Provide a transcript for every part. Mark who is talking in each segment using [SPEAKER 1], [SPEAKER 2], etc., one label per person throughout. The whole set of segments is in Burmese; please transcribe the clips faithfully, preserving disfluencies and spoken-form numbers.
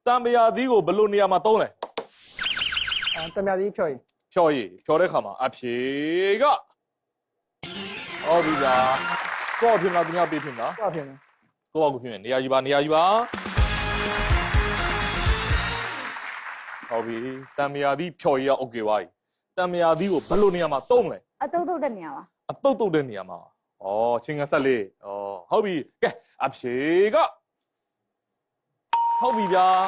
[SPEAKER 1] တံမြာသီးကိုဘယ်လိုနေရာမှာသုံးလဲ
[SPEAKER 2] အဲတံမြာသီးဖြော်ရည်
[SPEAKER 1] ဖြော်ရည်ဖြော်တဲ့ခါမှာအဖြေကဟုတ်ပြီလားကိုယ့်အဖြစ်လားသူများပေးဖြစ်လား
[SPEAKER 2] ဟုတ်ဖြစ်မယ်
[SPEAKER 1] ကိုယ့်အကူဖြစ်မယ်နေရာယူပါနေရာယူပါဟုတ်ပြီတံမြာသီးဖြော်ရည်ကโอเคပါပြီတံမြာသီးကိုဘယ်လိုနေရာမှာသုံးလဲ
[SPEAKER 3] အတုတ်တုတ်တဲ့နေရာပါ
[SPEAKER 1] အတုတ်တုတ်တဲ့နေရာမှာဩချင်းငဆက်လေးဩဟုတ်ပြီကဲအဖြေကဟုတ်ပြီဗျာ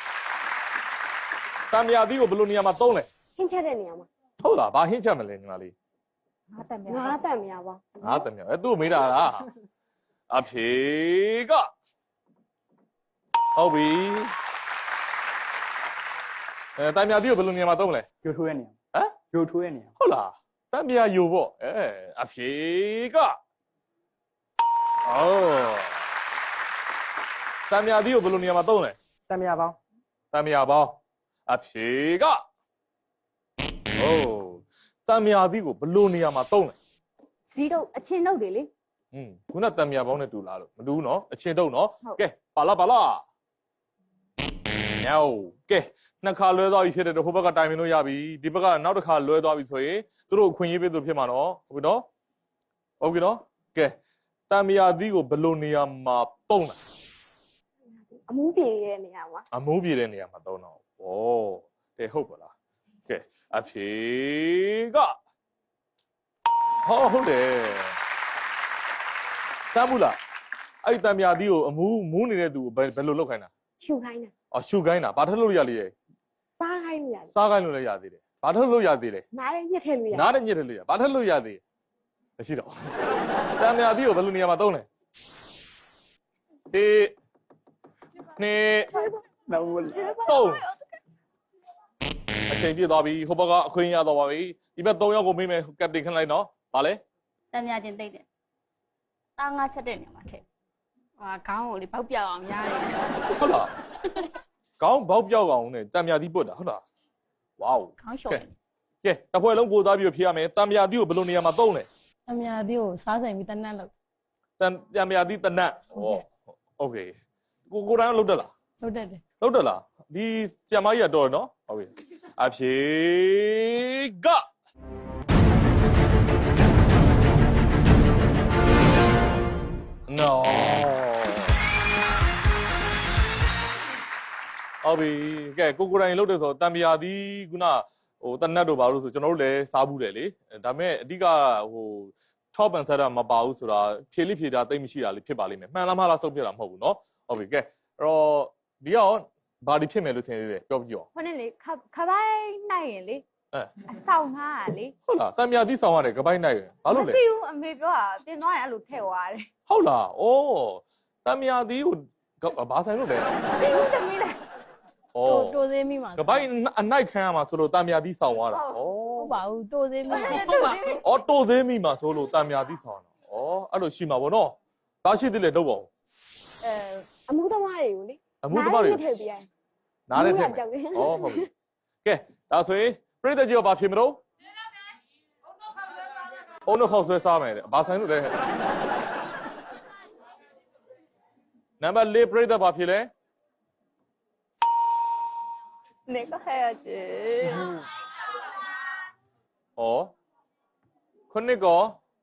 [SPEAKER 1] တံမြာသီးကိုဘယ်လိုနေရာမှာသုံးလဲ
[SPEAKER 4] ဟင်းချက်တဲ့နေရာမှာ
[SPEAKER 1] ဟုတ်လားဘာဟင်းချက်မလဲညီမလေး
[SPEAKER 3] ငါတက်မြာ
[SPEAKER 4] ငါးတန်များပါ
[SPEAKER 1] ငါတံမြာအဲသူ့ကိုမေးတာလားအဖြေကဟုတ်ပြီအဲတံမြာသီးကိုဘယ်လိုနေရာမှာသုံးလဲ
[SPEAKER 2] ရိုးထိုးရဲ့နေရာ
[SPEAKER 1] ဟမ်
[SPEAKER 2] ရိုးထိုးရဲ့နေရာ
[SPEAKER 1] ဟုတ်လားတံမြာယူပေါ့အဲအဖြေကအော်တံမြာသီးကိုဘယ်လိုနေရာမှာသုံးလဲ
[SPEAKER 2] တံမြာပေါင်း
[SPEAKER 1] တံမြာပေါင်းအဖြေကဟိုးတံမြာသီးကိုဘယ်လိုနေရာမှာသုံးလဲ
[SPEAKER 3] ဇီးတုတ်အချင်းတုတ်တွေလေ
[SPEAKER 1] อืมခုနတံမြာပေါင်းနဲ့တူလားလို့မတူဘူးเนาะအချင်းတုံးเนาะကဲပါလာပါလာညောကဲနှစ်ခါလွဲသွားပြီဖြစ်တဲ့တော့ဟိုဘက်ကတိုင်ပင်လို့ရပြီဒီဘက်ကနောက်တစ်ခါလွဲသွားပြီဆိုရင်သူတို့အခွင့်အရေးပေးသူဖြစ်မှာเนาะဟုတ်ပြီเนาะဟုတ်ပြီเนาะကဲတံမြာသီးကိုဘယ်လိုနေရာမှာသုံးလဲ
[SPEAKER 4] အမူးပြေတဲ့နေရာမှာ
[SPEAKER 1] အမိုးပြေတဲ့နေရာမှာသုံးတော့ဩကဲဟုတ်ပါလားကဲအဖြေကဟောဟုတ်တယ်တမ်းဘူးလားအဲ့တံမြာသီးကိုအမူးမူးနေတဲ့သူကိုဘယ်ဘယ်လိုလုပ်ခိုင်းတာ
[SPEAKER 4] ရှူခိုင်းတာ
[SPEAKER 1] အော်ရှုခိုင်းတာဘာထက်လို့ရလေရဲ့
[SPEAKER 4] စားခိုင်းလို့ရတယ်
[SPEAKER 1] စားခိုင်းလို့လည်းရသေးတယ်ဘာထက်လို့ရသေးလဲ
[SPEAKER 4] နားလည်းညှက်ထည့်လို့ရတယ်
[SPEAKER 1] နားနဲ့ညစ်တယ်လို့ရဘာထက်လို့ရသေးမရှိတော့တံမြာသီးကိုဘယ်လိုနေရာမှာသုံးလဲဒီနှစ်
[SPEAKER 2] နောက်ဘူး
[SPEAKER 1] သုံးအချိန်ပြည့်သွားပြီဟိုဘက်ကအခွင့်ရတော့ပါပြီဒီဘက်သုံးယောက်ကိုမေးမယ်ကပတိန်ခန့်လိုက်နော်ဗာလဲ
[SPEAKER 3] တံမြာချင်းတိတ်တယ်တာငါချက်တဲ့နေရာမှာထည့်ဟာခေါင်းကိုလေပေါက်ပြောက်အောင်ရားတယ်
[SPEAKER 1] ဟုတ်လားခေါင်းဘောက်ပြောက်အောင်နဲ့တံမြာသီးပွတ်တာဟုတ်လားဝေါ
[SPEAKER 3] ခေါင်းလျှော်တယ်
[SPEAKER 1] ကဲတစ်ဖွဲ့လုံးကိုသားပြီးဖြေရမယ်တံမြာသီးကိုဘယ်လိုနေရာမှာသုံးလဲ
[SPEAKER 5] အမြာသေးကိုစားဆိုင်ပြီးတနတ်လို့
[SPEAKER 1] တံတံမြာသီးတနတ်ဩโอเคကိုကိုတိုင်းလုတ်တက်လား
[SPEAKER 5] လုပ်တတ်တယ်
[SPEAKER 1] လုတ်တက်လားဒီကျမကြီးကတော့နော်ဟုတ်ပြီအဖြေကနော်ဟုတ်ပြီကဲကိုကိုတိုင်းလုတ်တယ်ဆိုတော့တံမြာသီးခုနဟိုတနတ်တို့ဘာလို့ဆိုကျွန်တော်တို့လည်းစားဘူးတယ်လေဒါပေမဲ့အဓိကဟို top and set မပါဘူးဆိုတာဖြေလိဖြေတာတိတ်မရှိတာလေးဖြစ်ပါလိမ့်မယ်မှန်လားမှားလားစုပ်ပြတာမဟုတ်ဘူးเนาะဟုတ်ပြီကဲအဲ့တော့ဒီကရောဘာဒီဖြစ်မယ်လို့ထင်သေးတယ်ပြောပြကြည့်အောင်
[SPEAKER 3] ဟိုနဲ့လေခခပိုင်းနိုင်ရင်လေ
[SPEAKER 1] အဲ
[SPEAKER 3] အဆောင်ငါကလေ
[SPEAKER 1] ဟုတ်လားတံမြာသီးဆောင်ရတယ်ကပိုင်းနိုင်ရဘာလို့လဲ
[SPEAKER 3] မသိဘူးအမေပြောတာပြင်သွားရင်အဲ့လိုထည့်သွားတယ်
[SPEAKER 1] ဟုတ်လားဩတံမြာသီးကိုဘာဆိုင်လို့လဲ
[SPEAKER 3] သိဘူးတမီးလေ
[SPEAKER 1] ဩ
[SPEAKER 5] တိုးတိုးသေးမိမှာ
[SPEAKER 1] ကပိုင်းအနိုင်ခံရမှာဆိုလို့တံမြာသီးဆောင်ရတာဩ
[SPEAKER 5] ဟုတ်ပါဘူးတိုးသေးမိမှာ
[SPEAKER 3] ဟုတ်ပါ
[SPEAKER 1] ဩတိုးသေးမိမှာဆိုလို့တံမြာသီးဆောင်တာဩအဲ့လိုရှိမှာဗောနော်ဘာရှိသေးလဲတော့ပေါ့
[SPEAKER 4] အဲအမူးသမားတွေကိုလေ
[SPEAKER 1] အမှုသမားတွေ
[SPEAKER 4] နားလည်းညှက်ထည့်ပြရတယ်
[SPEAKER 1] နားနဲ့ထည့်မယ်ဩဟုတ်ပြီကဲဒါဆိုရင်ပြိတ္တကြီးကဘာဖြစ်မလို့အုံးနှခောက်ဆွဲစားမယ်တဲ့ဘာဆိုင်လို့လဲနံပါတ်၄ပြိတ္တဘာဖြစ်လဲ
[SPEAKER 4] နေကခဲရချေ
[SPEAKER 1] ဩခုနှစ်ကော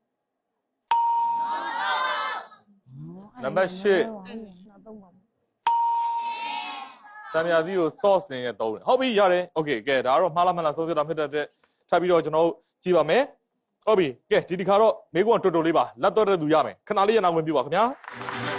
[SPEAKER 1] နံပါတ်၈
[SPEAKER 5] နောက်တော့ပါ
[SPEAKER 1] တံမြာသီးကို sauce နေနဲ့သုံးတယ်ဟုတ်ပြီရတယ်โอเคကဲဒါကတော့မှားလားမှန်လားဆုံးဖြတ်တာဖြစ်တဲ့အတွက်ထပ်ပြီးတော့ကျွန်တော်တို့ကြည့်ပါမယ်ဟုတ်ပြီကဲဒီဒီခါတော့မေးခွန်းတော်တော်လေးပါလက်တော့တဲ့သူရမယ်ခဏလေးရနာဝင်ပြပါခင်ဗျာ